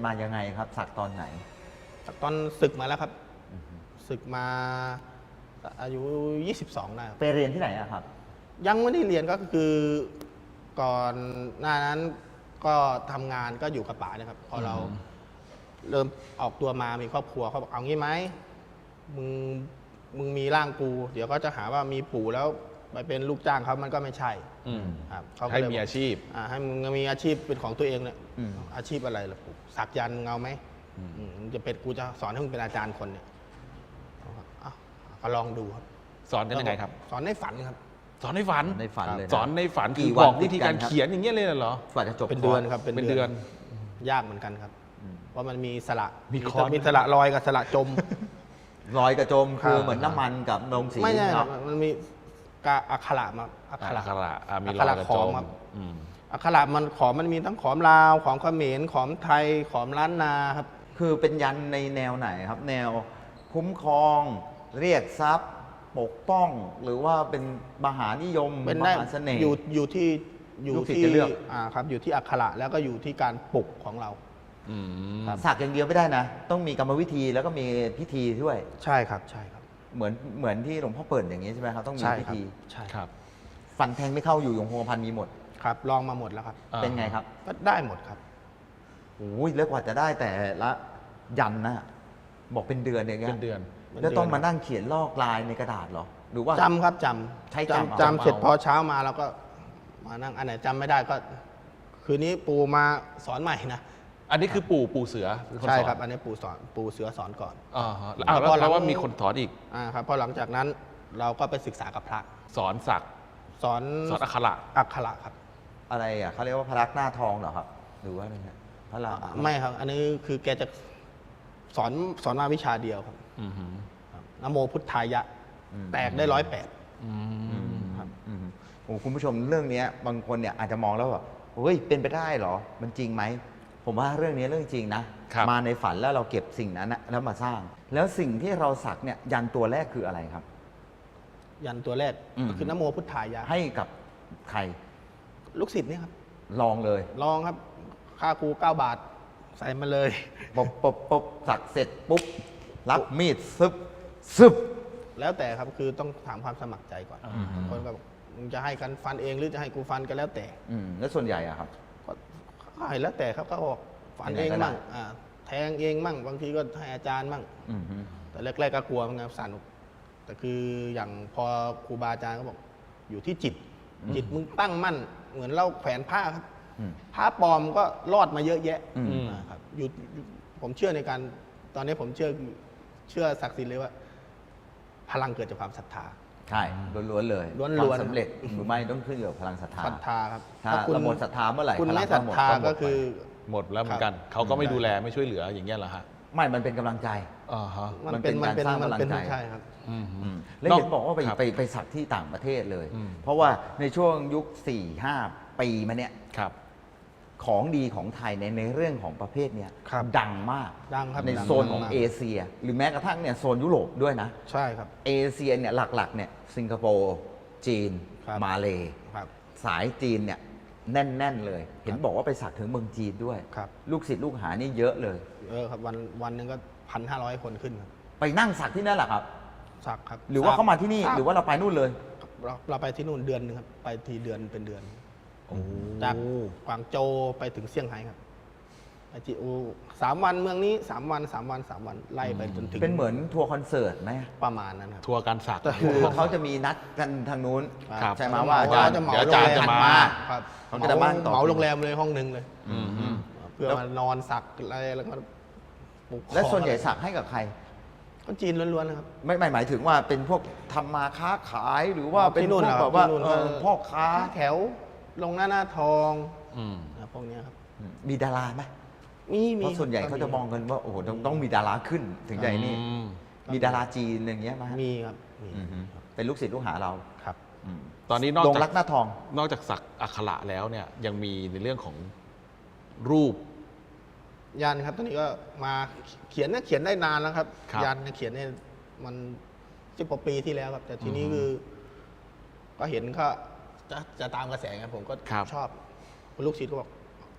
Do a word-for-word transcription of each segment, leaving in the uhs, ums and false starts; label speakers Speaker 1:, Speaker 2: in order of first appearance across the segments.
Speaker 1: มายังไงครับสักตอนไหน
Speaker 2: ตอนศึกมาแล้วครับศึกมาอายุยี่สิบสองได้
Speaker 1: ไปเรียนที่ไหนอะครับ
Speaker 2: ยังไม่ได้เรียนก็คือก่อนหน้านั้นก็ทำงานก็อยู่กับป๋านะครับพอเราเริ่มออกตัวมามีครอบครัวเขาบอกเอางี้ไหมมึงมึงมีร่างกูเดี๋ยวก็จะหาว่ามีปู่แล้วไปเป็นลูกจ้างเขามันก็ไม่ใช่
Speaker 3: ครับให้มีอาชีพ
Speaker 2: ให้มึงมีอาชีพเป็นของตัวเองเนี่ยอาชีพอะไรล่ะปู่สักยันต์มึงเอาไหมมึงจะเป็นกูจะสอนให้มึงเป็นอาจารย์คนเนี่ยก็ลองดูครับ
Speaker 3: สอนกันยังไงครับ
Speaker 2: สอนในฝันครับ
Speaker 3: สอนในฝัน
Speaker 1: ในฝันเลย
Speaker 3: สอนในฝันคือบอกวิธีการเขียนอย่างเงี้ยเลยเหรอ
Speaker 1: ฝันจะจบ
Speaker 2: เป็นเดือนครับ
Speaker 3: เป็นเดือน
Speaker 2: ยากเหมือนกันครับเพราะมันมีสระ
Speaker 3: มีคอน
Speaker 2: มีสระลอยกับสระจม
Speaker 1: ลอยกับจมคือเหมือนน้ำมันกับนมสี
Speaker 2: ไม่ใช่ครับมันมีกาอักขระมา
Speaker 3: อักขระมี
Speaker 2: ลอยกับจมอักขระมันขอมมันมีทั้งขอมลาวขอมเขมรขอมไทยขอมล้านนาครับ
Speaker 1: คือเป็นยันในแนวไหนครับแนวคุ้มครองเรียกทรัพย์ปกป้องหรือว่าเป็นมหานิยม
Speaker 2: เป็น
Speaker 1: ม
Speaker 2: ได้
Speaker 1: หาเสน่ห์
Speaker 2: อยู่อยู่ที่อยู่ที่
Speaker 1: เลือก
Speaker 2: อ่าครับอยู่ที่อักขระแล้วก็อยู่ที่การปลุกของเรา
Speaker 1: สักอย่างเดียวไม่ได้นะต้องมีกรรมวิธีแล้วก็มีพิธีด้วย
Speaker 2: ใช่ครับใช่ครับ
Speaker 1: เหมือนเหมือนที่หลวงพ่อเปิดอย่างนี้ใช่ไหมครับต้องมีพิธี
Speaker 2: ใช่ครับ
Speaker 1: ฟันแทงไม่เข้าอยู่ยงคงกระพันมีหมด
Speaker 2: ครับลองมาหมดแล้วครับ
Speaker 1: เป็นไงครับ
Speaker 2: ก็ได้หมดครับ
Speaker 1: โอ้ยแล้วกว่าจะได้แต่ละยันนะบอกเป็นเดือนอย่างเงี้ย
Speaker 3: เป็นเดือน
Speaker 1: แล้วต้องมานั่งเขียนลอกลายในกระดาษเหรอหรือว่า
Speaker 2: จำครับจ
Speaker 1: ำใช้
Speaker 2: จำจำเสร็จพอเช้ามาแล้วก็มานั่งอันไหนจำไม่ได้ก็คืนนี้ปู่มาสอนใหม่นะ
Speaker 3: อันนี้คือปู่ปู่เสือ
Speaker 2: ใช่ครับอันนี้ปู่สอนปู่เสือสอนก่อน
Speaker 3: อ๋อแล้วแล้วว่ามีคนสอนอีก
Speaker 2: อ่าครับพอหลังจากนั้นเราก็ไปศึกษากับพระ
Speaker 3: สอนสัก
Speaker 2: สอน
Speaker 3: สอนอักขระ
Speaker 2: อักขระครับ
Speaker 1: อะไรอ่ะเขาเรียกว่าพระลักษณ์หน้าทองเหรอครับหรือว่าอะไรนะพระลักษณ์
Speaker 2: ไม่ครับอันนี้คือแกจะสอนสอนมาวิชาเดียวครับนโมพุทธายะแตกได้ร้อยแปด
Speaker 1: ครับโอ้คุณผู้ชมเรื่องนี้บางคนเนี่ยอาจจะมองแล้วว่าเฮ้ยเป็นไปได้เหรอมันจริงไหมผมว่าเรื่องนี้เรื่องจริงนะมาในฝันแล้วเราเก็บสิ่งนั้นนะแล้วมาสร้าง แล้วสิ่งที่เราสักเนี่ยยันตัวแรกคืออะไรครับ
Speaker 2: ยันตัวแรกก็คือนโมพุทธายะ
Speaker 1: ให้กับใคร
Speaker 2: ลูกศิษย์นี่ครับ
Speaker 1: ลองเลย
Speaker 2: ลองครับค่าครูเก้าบาทใส่มาเลย
Speaker 1: ปุ๊บปุ๊บปุ๊บสักเสร็จปุ๊บรับมีดซึบซึบ
Speaker 2: แล้วแต่ครับคือต้องถามความสมัครใจก่อนคนก็บอกมึงจะให้กันฟันเองหรือจะให้กูฟันก็แล้วแต่
Speaker 1: แล้วส่วนใหญ่อะครับ
Speaker 2: ก็ให้แล้วแต่ครับก็บอกฟันเองมั่งแทงเองมั่งบางทีก็ให้อาจารย์มั่งแต่แรกๆก็กลัวมันไงสั่นแต่คืออย่างพอครูบาอาจารย์ก็บอกอยู่ที่จิตจิตมึงตั้งมั่นเหมือนเราแขวนผ้าครับผ้าปลอมก็รอดมาเยอะแยะครับอยู่ผมเชื่อในการตอนนี้ผมเชื่อเชื่อศักดิ์สิทธิ์เลยว่าพลังเกิดจากความศรัทธา
Speaker 1: ใช่ล้วนๆเลยความสำเร็จหรือไม่ต้องขึ้นอยู่กับพลังศรัทธา
Speaker 2: ศรัทธาครับ
Speaker 1: ถ้าเราหมดศรัทธาเมื่อไหร่
Speaker 2: คุณไม่ศรัทธาก็คือ
Speaker 3: หมดแล้วเหมือนกันเขาก็ไม่ดูแลไม่ช่วยเหลืออย่างเงี้ยเหรอฮะ
Speaker 1: ไม่มันเป็นกำลังใจ
Speaker 2: มันเป็นการสร้างกำลังใจใช่ครับ
Speaker 1: แล้วเห็นบอกว่าไปไปไปสักที่ต่างประเทศเลยเพราะว่าในช่วงยุค สี่ห้า ปีมาเนี้ยของดีของไทยในในเรื่องของประเภทเนี้ยดังมากในโซนของเอเชียหรือแม้กระทั่งเนี่ยโซนยุโรปด้วยนะ
Speaker 2: ใช่ครับ
Speaker 1: เอเชียเนี่ยหลักๆเนี่ยสิงคโปร์จีนมาเลสายจีนเนี่ยแน่นๆเลยเห็นบอกว่าไปสักถึงเมืองจีนด้วยลูกศิษย์ลูกหานี่เยอะเลย
Speaker 2: เออครับวันวันหนึ่งก็พันห้าร้อยคนขึ้นครับ
Speaker 1: ไปนั่งสักที่นั่นแหละครับ
Speaker 2: สักครับ
Speaker 1: หรือว่าเขามาที่นี่หรือว่าเราไปนู่นเลย
Speaker 2: เราเราไปที่นู่นเดือนนึงครับไปทีเดือนเป็นเดือนจากกวางโจวไปถึงเซี่ยงไฮ้ครับไปจีอูสามวันเมืองนี้สามวันสามวันสามวันไล่ไปจนถึง
Speaker 1: เป็นเหมือนทัวร์คอนเสิร์ตไหม
Speaker 2: ประมาณนั้นครับ
Speaker 3: ทัวร์การสัก
Speaker 1: คือเขาจะมีนัดกันทางนู้นใช่ไหมว่า
Speaker 2: อาจารย์จะเหมาโรงแรม
Speaker 3: มา
Speaker 2: เขาจะมาเหมาโรงแรมเลยห้องนึงเลยเพื่อมานอนสักอะไรแล้วก็
Speaker 1: และส่วนใหญ่สักให้กับใคร
Speaker 2: คนจีนล้วนๆนะครับ
Speaker 1: ไม่หมายถึงว่าเป็นพวกทำมาค้าขายหรือว่าเป็นพวกแบบว่าพ่อค้า
Speaker 2: แถวลงหน้าหน้าทองพวกนี้ครับ
Speaker 1: มีดาราไหม
Speaker 2: มีมี
Speaker 1: เพราะส่วนใหญ่เขาจะมองกันว่าโอ้โหต้องมีดาราขึ้นถึงใจนี่มีดาราจีนอย่างเงี้ยไหม
Speaker 2: มีครับ
Speaker 1: เป็นลูกศิษย์ลูกหาเรา
Speaker 2: ครับ
Speaker 3: ตอนนี้นอกจาก
Speaker 1: รักหน้าทอง
Speaker 3: นอกจากสักอักขระแล้วเนี่ยยังมีในเรื่องของรูป
Speaker 2: ยันครับตอนนี้ก็มาเขียนเนี่ยเขียนได้นานแล้วครับยันเนี่ยเขียนเนี่ยมันสิบกว่าปีที่แล้วครับแต่ทีนี้คือก็เห็นก็จะจะตามกระแสไงผมก็ชอบลูกศิษย์ก็บอก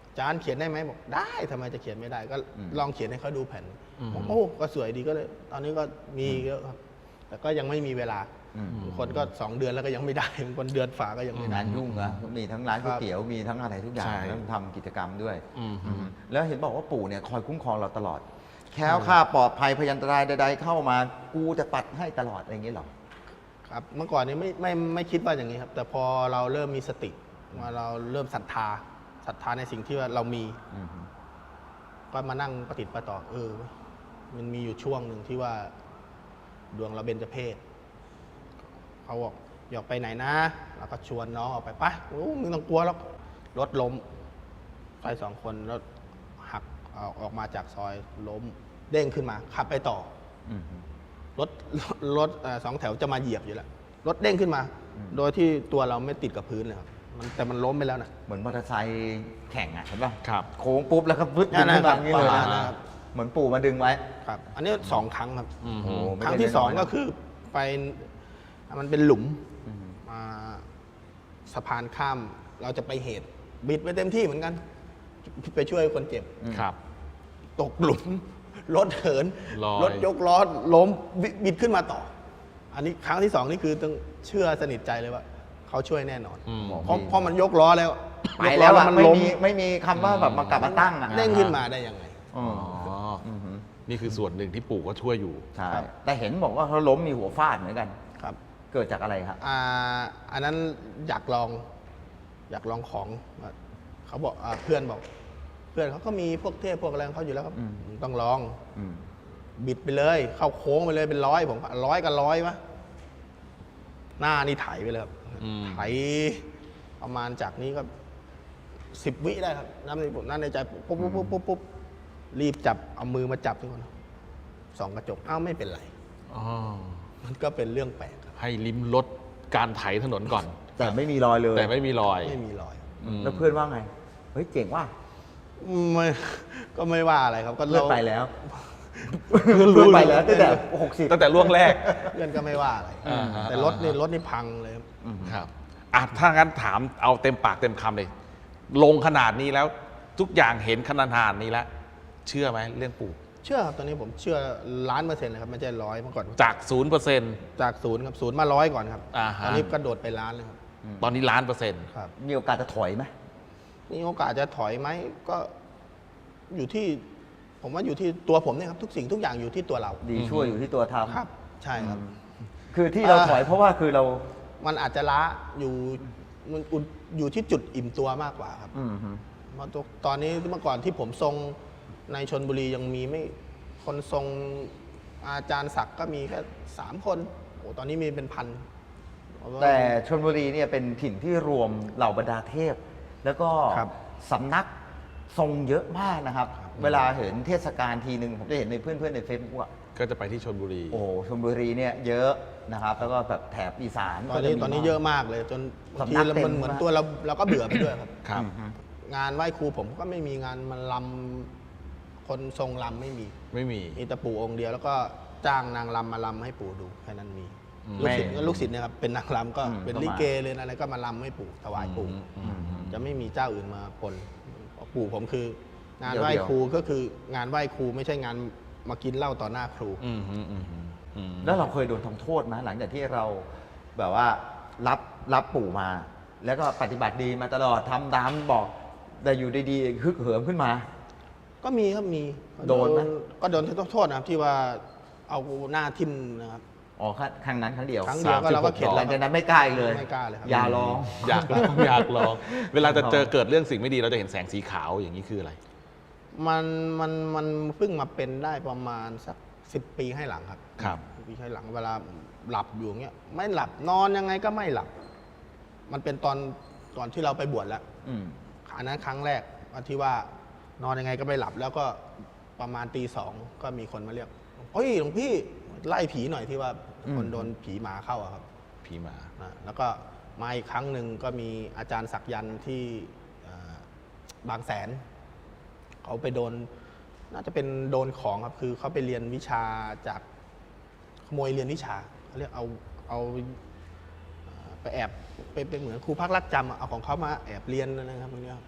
Speaker 2: อาจารย์เขียนได้ไหมบอกได้ทำไมจะเขียนไม่ได้ ก็
Speaker 1: อืม
Speaker 2: ลองเขียนให้เขาดูแผ่น
Speaker 3: อืม
Speaker 2: ผมโอ้ก็สวยดีก็เลย ตอนนี้ก็มีเยอะครับ แต่ก็ยังไม่มีเวลา
Speaker 1: อืม
Speaker 2: บางคนก็สองเดือนแล้วก็ยังไม่ได้บางคนเดือนฝาก็ยังไม่ได้
Speaker 1: งานยุ่งนะมีทั้งร้านก๋วยเตี๋ยวมีทั้งอะไรทุกอย่าง
Speaker 3: ใช่
Speaker 1: ต้องทำกิจกรรมด้วย
Speaker 3: อืม
Speaker 1: อืมแล้วเห็นบอกว่าปู่เนี่ยคอยคุ้มครองเราตลอด แคล้วคลาดปลอดภัยพยันตรายใดๆเข้ามากูจะปัดให้ตลอดอะไรอย่างเงี้ยหรอ
Speaker 2: ครับเมื่อก่อนนี้ไม่ไม่ไม่คิดว่าอย่างนี้ครับ แต่พอเราเริ่มมีสติว่าเราเริ่มศรัทธาศรัทธาในสิ่งที่ว่าเรามี
Speaker 1: อืม
Speaker 2: ก็มานั่งปฏิติประต่อเออเว้ยมันมีอยู่ช่วงหนึ่งที่ว่าดวงเราเบญจเพศเขาบอกอยากไปไหนนะเราก็ชวนน้องออกไปไปะโอ้มึงต้องกลัวแล้วรถล้มไปสองคนรถหักเอาออกมาจากซอยล้มเด้งขึ้นมาขับไปต่อ
Speaker 1: อืม
Speaker 2: รถรถเอ่อสองแถวจะมาเหยียบอยู่แล้วรถเด้งขึ้นมา โดยที่ตัวเราไม่ติดกับพื้นเลยครับมันแต่มันล้มไปแล้วนะ
Speaker 1: เหมือนมอเตอร์ไซค์แข่งอ่ะเห็นป่ะ
Speaker 3: ครับ
Speaker 1: โค้งปุ๊บแล้วก็พึดดึงขึ้นมาอย่างนี้เลย
Speaker 2: ประมาณ
Speaker 1: นะ
Speaker 2: นั้นครับ
Speaker 1: เหมือนปู่มาดึงไว้
Speaker 2: ครับ อันนี้สองครั้งครับ
Speaker 3: อืม
Speaker 1: โอ้ไม่
Speaker 2: ครั้ง
Speaker 1: ได้
Speaker 2: ที่สอง
Speaker 1: น้ยๆนะ
Speaker 2: ก็คือไปมันเป็นหลุม
Speaker 1: อืม
Speaker 2: อ่าสะพานข้ามเราจะไปเหตุ บิดไปเต็มที่เหมือนกัน ไปช่วยคนเจ็บ
Speaker 3: ครับ
Speaker 2: ตกหลุม รถเหิน
Speaker 3: ลอย
Speaker 2: รถยกล้อล้มบิบิดขึ้นมาต่อ อันนี้ครั้งที่สองนี่คือต้องเชื่อสนิทใจเลยว่า เขาช่วยแน่นอน
Speaker 3: อืม
Speaker 2: เพราะเพราะมันยกล้อแล้ว
Speaker 1: ไป
Speaker 2: ยก
Speaker 1: แล้วอะ
Speaker 2: มัน
Speaker 1: ไม่
Speaker 2: ล้ม
Speaker 1: มีไม่มีคำว่าแบบมากลับมาตั้งอ่ะ
Speaker 2: เด้งขึ้นมาได้ยังไง
Speaker 1: อื
Speaker 3: อ๋
Speaker 1: ม
Speaker 3: ออ
Speaker 1: อืม
Speaker 3: นี่คือส่วนหนึ่งที่ปู่ก็ช่วยอยู่
Speaker 1: ใช่
Speaker 2: ครับ
Speaker 1: แต่เห็นบอกว่าเขาล้มมีหัวฟาดเหมือนกัน
Speaker 2: ครับ
Speaker 1: เกิดจากอะไรครับ
Speaker 2: อ่าอันนั้นอยากลอง อยากลองของเขาบอกอาเพื่อนบอก เพื่อนเขาก็มีพวกเทพพวกอะไรของเขาอยู่แล้วครับ
Speaker 1: อืม
Speaker 2: ต้องลอง
Speaker 1: อืม
Speaker 2: บิดไปเลย เข้าโค้งไปเลยเป็นร้อยผมร้อยกับร้อยวะหน้านี่ไถไปเลยครับ
Speaker 3: อืม
Speaker 2: ไถประมาณจากนี้ก็สิบวิได้ครับน้ำในผมนั่นในใจปุ๊บปุ๊บปุ๊บปุ๊บปุ๊บรีบจับเอามือมาจับทุกคนส่องกระจกอ้าวไม่เป็นไร
Speaker 3: อ๋อ
Speaker 2: มันก็เป็นเรื่องแปลกครับ
Speaker 3: ให้ลิ้มรสการไถถนนก่อน
Speaker 1: แต่ไม่มีรอยเลย
Speaker 3: แต่ไม่มีรอย
Speaker 2: ไม่มีรอย
Speaker 3: อืม
Speaker 1: แล้วเพื่อนว่าไง เฮ้ยเจ๋งว่ะ
Speaker 2: ไม่ก็ไม่ว่าอะไรครับ ก็
Speaker 1: เพื่อน
Speaker 2: รา
Speaker 1: ไปแล้ว
Speaker 3: เพื่อนรู้
Speaker 1: เพื่อนไปแล้วตั้งแต่หกสิบ
Speaker 3: ตั้งแต่ล่วงแรก
Speaker 2: เพื่อนก็ไม่ว่าอะไร
Speaker 3: อ่าฮะ
Speaker 2: แต่รถนี่รถนี่พังเลยครับ
Speaker 3: ครับอ่ะถ้างั้นถามเอาเต็มปากเต็มคำเลย ลงขนาดนี้แล้วทุกอย่างเห็นขนาดนี้แล้ว เชื่อไหมเรื่องปู่
Speaker 2: เชื่อครับตอนนี้ผมเชื่อล้านเปอร์เซ็นต์เลยครับไม่ใช่ร้อยเมื่อก่อน
Speaker 3: จากศูนย์เปอร์เซ็นต์
Speaker 2: จากศูนย์ครับศูนย์มาร้อยก่อนครับ
Speaker 3: อ่าฮะ
Speaker 2: ตอนนี้กระโดดไปล้านเลยครับ
Speaker 3: ตอนนี้ล้านเปอร์เซ็นต์
Speaker 2: ครับ
Speaker 1: มีโอกาสจะถอยไหม
Speaker 2: นี่โอกาสจะถอยไหมก็อยู่ที่ ผมว่าอยู่ที่ตัวผมเนี่ยครับทุกสิ่งทุกอย่างอยู่ที่ตัวเรา
Speaker 1: ดีช่วยอยู่ที่ตัวทำ
Speaker 2: ครับ ใช่ครับ
Speaker 1: คือที่เรา
Speaker 2: อ่า
Speaker 1: ถอยเพราะว่าคือเรา
Speaker 2: มันอาจจะล้าอยู่มันอยู่ที่จุดอิ่มตัวมากกว่าครับ
Speaker 1: อืมฮึ
Speaker 2: เพราะตอนนี้เมื่อก่อนที่ผมทรงในชนบุรียังมีไม่คนทรงอาจารย์ศักดิ์ก็มีแค่สามคนโอ้ตอนนี้มีเป็นพัน
Speaker 1: แต่ชลบุรีเนี่ยเป็นถิ่นที่รวมเหล่าบรรดาเทพ แล้วก็
Speaker 2: ครับ
Speaker 1: สำนักทรงเยอะมากนะครับ เวลาเห็นเทศกาลทีหนึ่งผมจะเห็นในเพื่อนๆในเฟซบุ๊กอะ
Speaker 3: ก็จะไปที่ชลบุรี
Speaker 1: โอ้ชลบุรีเนี่ยเยอะนะครับ แล้วก็แบบแถบอีสาน
Speaker 2: ตอนนี้
Speaker 1: ก็จมี
Speaker 2: ตอนนี้
Speaker 1: มาก
Speaker 2: เยอะมากเลย จนบางที
Speaker 1: สำนักเต็ม
Speaker 2: มันเหมือน
Speaker 1: มาก
Speaker 2: ตัวเราเราก็เบื่อไปด้วยครับ
Speaker 3: ครับ
Speaker 1: อืมฮึ
Speaker 2: งานไหว้ครูผมก็ไม่มีงานมันลำคนทรงลำไม่มี
Speaker 3: ไม่มี
Speaker 2: มีแต่ปู่องค์เดียว แล้วก็จ้างนางลำมาลำให้ปู่ดูแค่นั้นมี
Speaker 3: อืม
Speaker 2: ลูกศิษย์ก็ลูกศิษย์เเนี่ยครับเป็นนางลำก็
Speaker 1: อืม
Speaker 2: เป็น
Speaker 1: ก็มา
Speaker 2: ลิเกเลยอะไรก็มาลำให้ปู่ถวายปู่
Speaker 3: อืมอืมอืม
Speaker 2: จะไม่มีเจ้าอื่นมาปนปู่ผมคือ งาน
Speaker 1: เดี๋ยว
Speaker 2: ไหว้
Speaker 1: เดี๋ยว
Speaker 2: ครูก็คืองานไหว้ครูไม่ใช่งานมากินเหล้าต่อหน้าครู
Speaker 3: อืมอืมอืมอืม
Speaker 1: แล้วเราเคยโดนทำโทษไหมหลังจากที่เราแบบว่ารับรับปู่มา แล้วก็ปฏิบัติดีมาตลอดทำตามบอก แต่อยู่ดีๆฮึกเหิมขึ้นมา
Speaker 2: ก็มีครับมี
Speaker 1: โดนไหม
Speaker 2: ก็โดนโทษนะครับที่ว่าเอาหน้าทิ่มนะครับ
Speaker 1: อ๋อครั้งครั้งนั้นครั้งเดียว
Speaker 2: ครั้งเดียวก็เราก็เข็ด
Speaker 1: ห
Speaker 2: แล้
Speaker 1: ลั
Speaker 2: ว
Speaker 1: ง
Speaker 2: ค
Speaker 1: จา
Speaker 2: รั
Speaker 1: ก
Speaker 2: บ
Speaker 1: นั้นไม่กล้าอีกเลย
Speaker 2: ไม่กล้าเลยครับ
Speaker 1: อย่าลอง
Speaker 3: อยากลอง อยากลอง เวลาจะเจอเกิดเรื่องสิ่งไม่ดีเราจะเห็นแสงสีขาวอย่างนี้คืออะไร
Speaker 2: มันมันมันเพิ่งมาเป็นได้ประมาณสักสิบปีให้หลังครับ
Speaker 3: ครับ
Speaker 2: สิบปีให้หลังเวลาหลับอยู่เงี้ยไม่หลับนอนยังไงก็ไม่หลับ มันเป็นตอนตอนที่เราไปบวชแล้ว
Speaker 1: อืม
Speaker 2: อันนั้นครั้งแรกวันที่ว่านอนยังไงก็ไม่หลับ แล้วก็ประมาณตีสองก็มีคนมาเรียกเฮ้ยหลวงพี่ไล่ผีหน่อยที่ว่า
Speaker 1: อืม
Speaker 2: คนโดนผีหมาเข้าอะครับ
Speaker 3: ผีหมา
Speaker 2: นะแล้วก็มาอีกครั้งหนึ่งก็มีอาจารย์ศักยันต์ที่เอ่อบางแสน เขาไปโดนน่าจะเป็นโดนของครับ คือเขาไปเรียนวิชาจากขโมยเรียนวิชาเขาเรียกเอาเอาเอ่อไปแอบไปเป็นเหมือนครูพักรักจำอะเอาของเขามาแอบเรียนอะไรครับตรงนี้ยครับ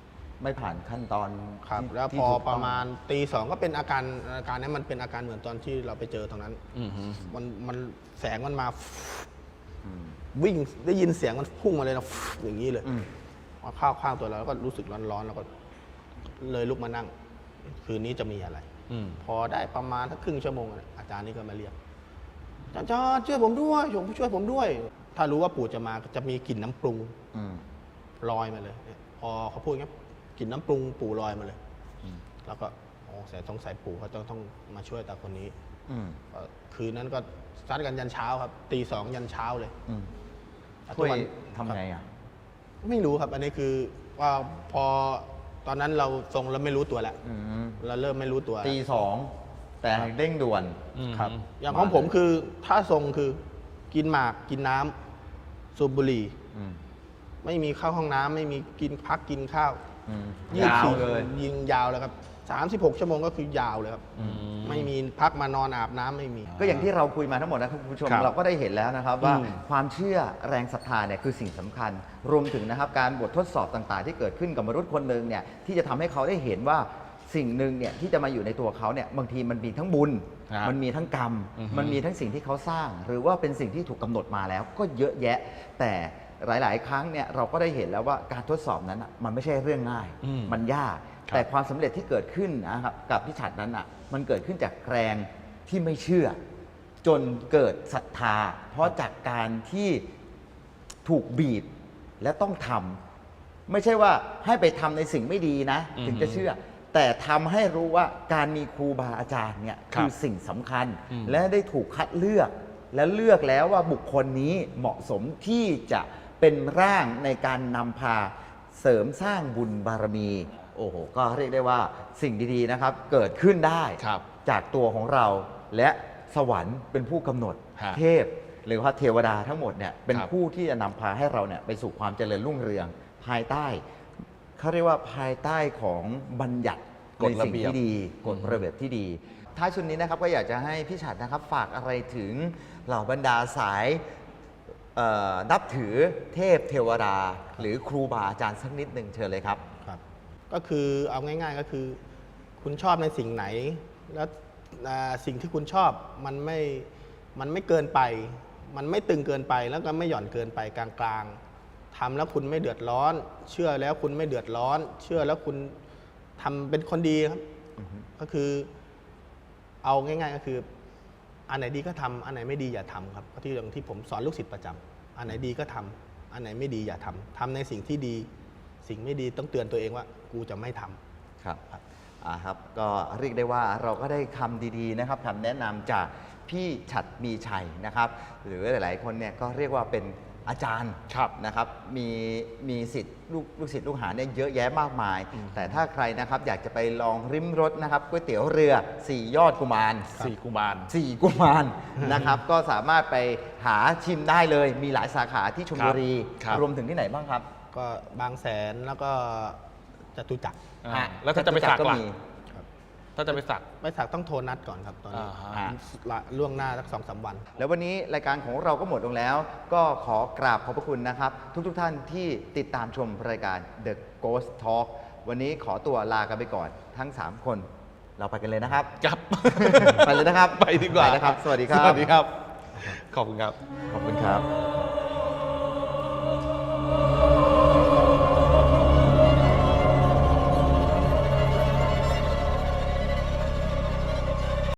Speaker 1: ไม่ผ่านขั้นตอน
Speaker 2: ครับ
Speaker 1: ที่
Speaker 2: แล้ว
Speaker 1: ที่
Speaker 2: พอ
Speaker 1: ถูก
Speaker 2: ป
Speaker 1: ต้
Speaker 2: ระ
Speaker 1: ง
Speaker 2: มาณตีสองก็เป็นอาการอาการนี้มันเป็นอาการเหมือนตอนที่เราไปเจอตรงนั้น
Speaker 3: อืมฮึ
Speaker 2: มันมันแสงมันมา
Speaker 1: อืม
Speaker 2: วิ่งได้ยินเสียงมันพุ่งมาเลยนะอย่างนี้เลย
Speaker 1: อืม
Speaker 2: มาเข้าข้างตัวเราแล้วก็รู้สึกร้อนๆแล้วก็เลยลุกมานั่ง คืนนี้จะมีอะไร
Speaker 3: อืม
Speaker 2: พอได้ประมาณสักครึ่งชั่วโมงเนี่ยอาจารย์นี่ก็มาเรียกอาจารย์ช่วยผมด้วยช่วยผมด้วย ถ้ารู้ว่าปู่จะมาจะมีกลิ่นน้ำปรุง
Speaker 1: อืม
Speaker 2: ลอยมาเลยเนี่ยพอเขาพูดงั้นกลิ่นน้ำปรุงปู่ลอยมาเลย
Speaker 1: อืม
Speaker 2: แล้วก็โอ้สงต้องใส่ปู่เขาต้องต้องมาช่วยตาคนนี้
Speaker 1: อืม
Speaker 2: ก็คืนนั้นก็ซัดกันยันเช้าครับตีสองยันเช้าเลย
Speaker 1: อืม
Speaker 2: ทุ
Speaker 1: ช่วย
Speaker 2: กวัน
Speaker 1: ทำไงอ่ะ
Speaker 2: ไม่รู้ครับ อันนี้คือว่าพอตอนนั้นเราทรงแล้วไม่รู้ตัวแล้ว
Speaker 1: อืม
Speaker 2: เราเริ่มไม่รู้ตัว
Speaker 1: ตีสองแต่เร่งด่วน
Speaker 3: อืม
Speaker 2: ครับ
Speaker 3: อืม
Speaker 2: อย่างของผมคือถ้าทรงคือกินหมากกินน้ำสูบบุหรี่
Speaker 1: อืม
Speaker 2: ไม่มีเข้าห้องน้ำไม่มีกินพักกินข้าว
Speaker 1: อืม
Speaker 2: ยี่สิบ
Speaker 1: ยาว
Speaker 2: สี่
Speaker 1: เลย
Speaker 2: ยิงยาวเลยครับสามสิบหกชั่วโมงก็คือยาวเลยครับ
Speaker 3: อืม
Speaker 2: ไม่มีพักมานอนอาบน้ำไม่มี
Speaker 1: ก็อย่างที่เราคุยมาทั้งหมดนะครับคุณผู้ชม
Speaker 3: ครับ
Speaker 1: เราก็ได้เห็นแล้วนะครับว่า
Speaker 2: อืม
Speaker 1: ความเชื่อแรงศรัทธาเนี่ยคือสิ่งสำคัญ รวมถึงนะครับการบททดสอบต่างๆ ที่เกิดขึ้นกับมนุษย์คนหนึ่งเนี่ยที่จะทำให้เขาได้เห็นว่าสิ่งหนึ่งเนี่ยที่จะมาอยู่ในตัวเขาเนี่ยบางทีมันมีทั้งบุญ
Speaker 3: ครับ
Speaker 1: มันมีทั้งกรรม
Speaker 3: อือฮึ
Speaker 1: มันมีทั้งสิ่งที่เขาสร้าง หรือว่าเป็นสิ่งที่ถูกกำหนดมาแล้ว ก็เยอะแยะ แต่หลาย ๆ ครั้งเนี่ยเราก็ได้เห็นแล้วว่าการทดสอบนั้นน่ะมันไม่ใช่เรื่องง่าย
Speaker 3: อืม
Speaker 1: มันยาก
Speaker 3: ครับ
Speaker 1: แต่ความสำเร็จที่เกิดขึ้นนะครับกับพิชัดนั้นอ่ะมันเกิดขึ้นจากแรงที่ไม่เชื่อ จนเกิดศรัทธา เพราะจากการที่ถูกบีบและต้องทำไม่ใช่ว่าให้ไปทำในสิ่งไม่ดีนะ
Speaker 3: อือฮึ
Speaker 1: ถึงจะเชื่อ แต่ทำให้รู้ว่าการมีครูบาอาจารย์เนี่ย
Speaker 3: ครับ
Speaker 1: คือสิ่งสำคัญ
Speaker 3: อืม
Speaker 1: และได้ถูกคัดเลือก และเลือกแล้วว่าบุคคลนี้เหมาะสมที่จะเป็นร่างในการนำพาเสริมสร้างบุญบารมี โอ้โห ก็เรียกได้ว่าสิ่งดีๆนะครับ เกิดขึ้นได้
Speaker 3: ครับ
Speaker 1: จากตัวของเรา และสวรรค์เป็นผู้กำหนด
Speaker 3: ฮะ
Speaker 1: เทพ หรือว่าเทวดาทั้งหมดเนี่ยเป็น
Speaker 3: ครับ
Speaker 1: ผู้ที่จะนำพาให้เราเนี่ยไปสู่ความเจริญรุ่งเรือง ภายใต้เขาเรียกว่าภายใต้ของบัญญัติ
Speaker 3: กฎ
Speaker 1: ใน
Speaker 3: ระ
Speaker 1: สิ่ง
Speaker 3: เบียบ
Speaker 1: ที่ดีกฎระเบียบที่ดี ท้ายชุดนี้นะครับก็อยากจะให้พี่ฉัดนะครับฝากอะไรถึงเหล่าบรรดาสายเอ่อนับถือเทพเทวดา หรือครูบาอาจารย์สักนิดหนึ่งเชิญเลยครับ
Speaker 2: ครับก็คือเอาง่าย ๆก็คือ คุณชอบในสิ่งไหน แล้วอ่าสิ่งที่คุณชอบมันไม่มันไม่เกินไป มันไม่ตึงเกินไปแล้วก็ไม่หย่อนเกินไปกลางๆทำแล้วคุณไม่เดือดร้อน เชื่อแล้วคุณไม่เดือดร้อน เชื่อแล้วคุณทำเป็นคนดีครับก็คือ เอาง่าย ๆ ก็คือ อันไหนดีก็ทำอันไหนไม่ดีอย่าทำครับก็ที่อย่างที่ผมสอนลูกศิษย์ประจำอันไหนดีก็ทำอันไหนไม่ดีอย่าทำทำในสิ่งที่ดี สิ่งไม่ดีต้องเตือนตัวเองว่า กูจะไม่ทำ
Speaker 1: ครับอ่าครับ ก็เรียกได้ว่าเราก็ได้คำดีๆนะครับคำแนะนำจากพี่ฉัดมีชัยนะครับ หรือหลายๆคนเนี่ยก็เรียกว่าเป็นอาจารย์
Speaker 3: ครับ
Speaker 1: นะครับ มีมีสิทธิ์ลูกลูกศิษย์ลูกหาเนี่ยเยอะแยะมากมาย แต่ถ้าใครนะครับอยากจะไปลองริมรสนะครับก๋วยเตี๋ยวเรือสี่ยอดกุมาร
Speaker 3: สี่กุมาร
Speaker 1: สี่กุมาร นะครับ ก็สามารถไปหาชิมได้เลย มีหลายสาขาที่ชลบุรี
Speaker 3: ครับ
Speaker 1: รวมถึงที่ไหนบ้างครับ
Speaker 2: ก็บางแสนแล้วก็จตุจักร
Speaker 3: อ่าแล้วถ้าจะไปสัก
Speaker 1: ก็
Speaker 3: ล่ะ
Speaker 1: มี
Speaker 3: ถ้าจะไปสัก
Speaker 2: ไม่สักต้องโทรนัดก่อนครับตอนนี้
Speaker 3: อ่าฮะ
Speaker 2: อ่าละล่วงหน้าสักสองสามวัน
Speaker 1: แล้ววันนี้รายการของเราก็หมดลงแล้ว ก็ขอกราบขอบพระคุณนะครับ ทุกๆทท่านที่ติดตามชมรายการ The Ghost Talk วันนี้ขอตัวลากันไปก่อนทั้ง สาม คน เราไปกันเลยนะครับ
Speaker 3: ครับ
Speaker 1: ไปเลยนะครับ
Speaker 3: ไปดีกว่า
Speaker 1: ไปนะครับ สวัสดีครับ
Speaker 3: สวัสดีครับ ขอบคุณครับ
Speaker 1: ขอบคุณครับ